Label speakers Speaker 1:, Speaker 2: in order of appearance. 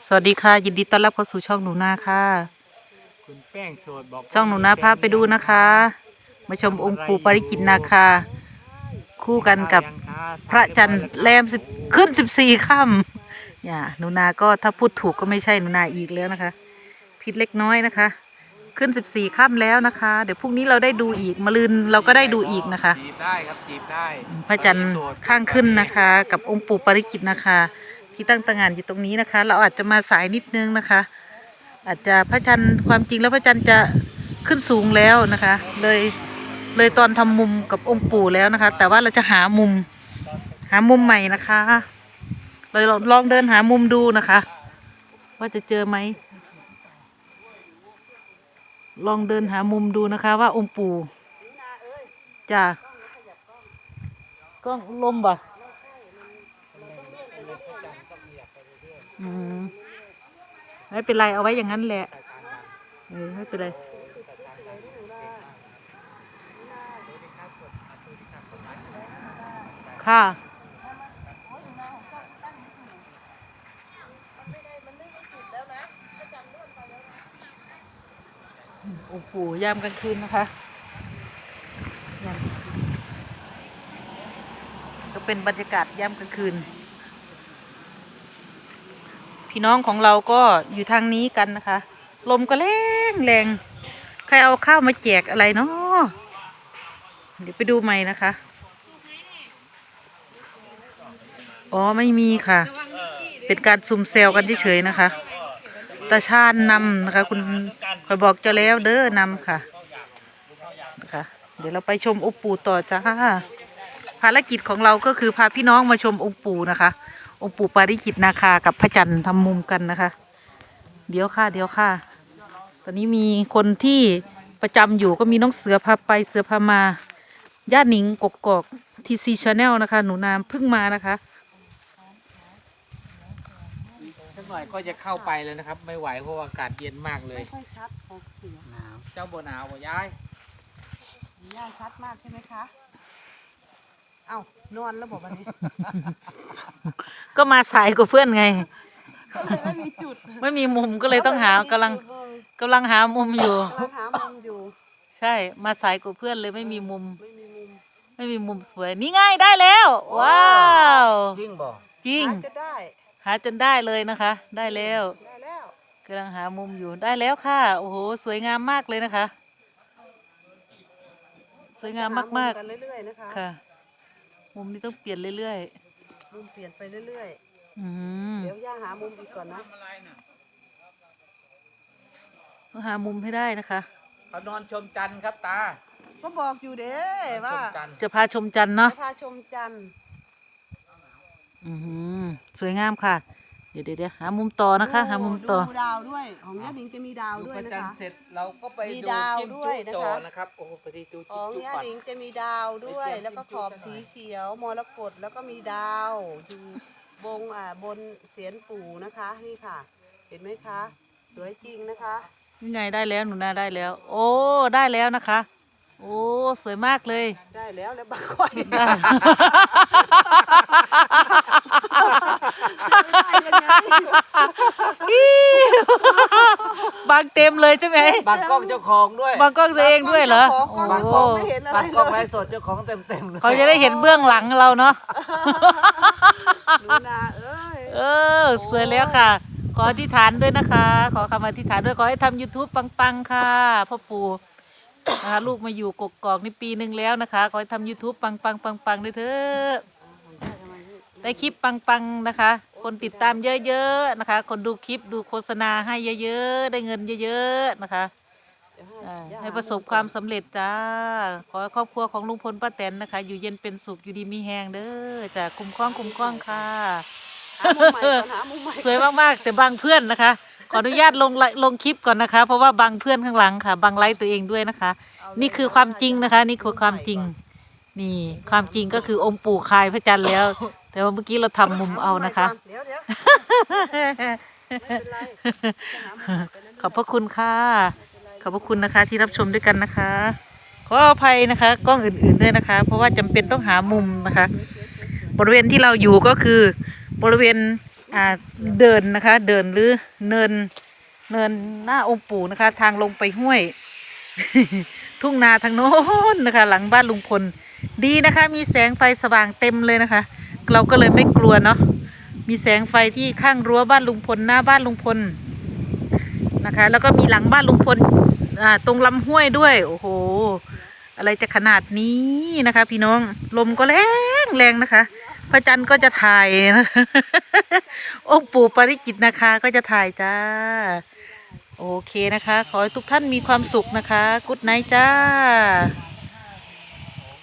Speaker 1: สวัสดีค่ะยินดีต้อนรับเข้าสู่ช่องหนูนาค่ะ
Speaker 2: คุณแป้งโสดบอก
Speaker 1: ช่องหนูนาพาไปดูนะคะมาชมองค์ปู่ปาริจิตนาคาคู่กันกับพระจันทร์แรมขึ้น14 ค่ำอย่าหนูนาก็ถ้าพูดถูกก็ไม่ใช่หนูนาอีกแล้วนะคะผิดเล็กน้อยนะคะขึ้น14 ค่ำแล้วนะคะเดี๋ยวพรุ่งนี้เราได้ดูอีกมะรืนเราก็ได้ดูอีกนะคะ
Speaker 2: จีบได้ครับจีบได้
Speaker 1: พระจันทร์ข้างขึ้นนะคะกับองค์ปู่ปาริจิตนาคาที่ตั้งตระหง่านอยู่ตรงนี้นะคะ เราอาจจะมาสายนิดนึงนะคะ อาจจะพระจันทร์ความจริงแล้วพระจันทร์จะขึ้นสูงแล้วนะคะ เลยตอนทำมุมกับองค์ปู่แล้วนะคะ แต่ว่าเราจะหามุมใหม่นะคะเลยลองเดินหามุมดูนะคะ ว่าจะเจอไหมลองเดินหามุมดูนะคะ ว่าองค์ปู่จะกล้องลมบ่ไม่เป็นไรเอาไว้อย่างนั้นแหละไม่เป็นไรค่ะองค์ปู่ยามกลางคืนนะคะก็เป็นบรรยากาศยามกลางคืนพี่น้องของเราก็อยู่ทางนี้กันนะคะลมก็แรงใครเอาข้าวมาแจกอะไรเนาะเดี๋ยวไปดูใหม่นะคะอ๋อไม่มีค่ะเป็นการซุ่มเซลกันเฉยๆนะคะตาชาญนำนะคะคุณคอยบอกเจ้าแล้วเด้อนำค่ะนะคะเดี๋ยวเราไปชมองค์ปู่ต่อจ้าภารกิจของเราก็คือพาพี่น้องมาชมองค์ปู่นะคะองค์ปู่ปาริจิตนาคากับพระจันทร์ทำมุมกันนะคะเดี๋ยวค่ะตอนนี้มีคนที่ประจำอยู่ก็มีน้องเสือพาไปเสือพามาญาติหนิงกกอกทีซีชาแนลนะคะหนูนามเพิ่งมานะคะ
Speaker 2: สักหน่อยก็จะเข้าไปเลยนะครับไม่ไหวเพราะอากาศเย็นมากเลย
Speaker 3: ไม่ค่อยชัดของเสียงหนาว
Speaker 2: เจ้าบ่หนาวบ่ย้าย
Speaker 3: ย่าชัดมากใช่ไหมคะเอ้านอนแล้วบอกวันนี้
Speaker 1: ก็มาสายกับเพื่อนไง
Speaker 3: ก็เลยไม่มีจุด
Speaker 1: ไม่มีมุมก็เลยต้องหากำลังหามุมอยู่
Speaker 3: กำลังหามุมอยู่
Speaker 1: ใช่มาสายกับเพื่อนเลยไม่มีมุมไม่มีมุมสวยนี่ง่ายได้แล้ว ว้าว
Speaker 2: จริงบ่
Speaker 1: จริงหาจนได้เลยนะคะได้แล้วกำลังหามุมอยู่ได้แล้วค่ะโอ้โหสวยงามมากเลยนะคะสวยงามมากๆค่ะมุมนี้ต้องเปลี่ยนเรื่อย
Speaker 3: ๆมุมเปลี่ยนไปเรื่อย
Speaker 1: ๆ
Speaker 3: เดี๋ยวย่าหามุมอีกก่อนนะ
Speaker 1: ต้องหามุมให้ได้นะคะ
Speaker 2: เขานอนชมจันทร์ครับตา
Speaker 3: ก็บอกอยู่เด้ว่า
Speaker 1: จะพาชมจันทร์เนาะ
Speaker 3: พาชมจันทร์
Speaker 1: สวยงามค่ะเดี๋ยวหามุมต่อนะคะหามุมต่อ
Speaker 3: ดูดาวด้วยของย่าหนิงจะมีดาวด้วยนะคะ
Speaker 2: จันทร์เสร็จเราก็ไปดูจิ้มจุ๊จ่อนะครับโอ้โหไปดู
Speaker 3: ของย่าหนิงจะมีดาวด้วยแล้วก็ขอบสีเขียวมรกตแล้วก็มีดาวอยู่บนเสียนปู่นะคะนี่ค่ะเห็นไหมคะสวยจริงนะคะ
Speaker 1: นี่ไงได้แล้วหนูนาได้แล้วโอ้ได้แล้วนะคะโอ้สวยมากเลย
Speaker 3: ได้แล้วบางคน
Speaker 1: บางเต็มเลยใช่ไหม
Speaker 2: บางกล้องเจ้าของด้วย
Speaker 1: บางกล้องตัวเองด้วยเหรอบ
Speaker 3: างกล้องไม่เห็นอะไร
Speaker 2: บางกล้องไลฟ์สดเจ้าของเต็ม
Speaker 1: เขาจะได้เห็นเบื้องหลังเราเนาะ
Speaker 3: หนูนา
Speaker 1: สวยแล้วค่ะขออธิษฐานด้วยนะคะขอคำอธิษฐานด้วยขอให้ทำ YouTube ปังๆค่ะพ่อปู่นะคะลูกมาอยู่กกอกนี่ปีหนึ่งแล้วนะคะขอให้ทำ YouTube ปังด้วยเถอะได้คลิปปังนะคะ คนติดตามเยอะๆนะคะคนดูคลิปดูโฆษณาให้เยอะๆได้เงินเยอะๆนะคะให้ประสบความสำเร็จจ้าขอให้ครอบครัวของลุงพลป้าแตนนะคะอยู่เย็นเป็นสุขอยู่ดีมีแหงเด้อจ้ะคุ้มครองค่ะสวยมากๆแต่บางเพื่อนนะคะขออนุญาตลงคลิปก่อนนะคะเพราะว่าบางเพื่อนข้างหลังค่ะบางไลฟ์ตัวเองด้วยนะคะนี่คือความจริงนะคะนี่คือความจริงนี่ความจริงก็คือองค์ปู่คายพระจันทร์แล้วแต่ว่าเมื่อกี้เราทำมุมเอานะคะขอบพระคุณค่ะขอบพระคุณนะคะที่รับชมด้วยกันนะคะขออภัยนะคะกล้องอื่นๆด้วยนะคะเพราะว่าจำเป็นต้องหามุมนะคะบริเวณที่เราอยู่ก็คือบริเวณอ่าเดินนะคะ เดินหรือเนินหน้าองค์ปู่นะคะ ทางลงไปห้วย ทุ่งนาทางโน้นนะคะ หลังบ้านลุงพลดีนะคะ มีแสงไฟสว่างเต็มเลยนะคะ เราก็เลยไม่กลัวเนาะมีแสงไฟที่ข้างรั้วบ้านลุงพลหน้าบ้านลุงพลนะคะ แล้วก็มีหลังบ้านลุงพลตรงลำห้วยด้วยโอ้โหอะไรจะขนาดนี้นะคะ พี่น้องลมก็แรงนะคะพระจันทร์ก็จะถ่ายนะ องค์ปู่ปาริจิตนะคะก็จะถ่ายจ้าโอเคนะคะ ขอให้ทุกท่านมีความสุขนะคะกุ๊ดไนท์จ้า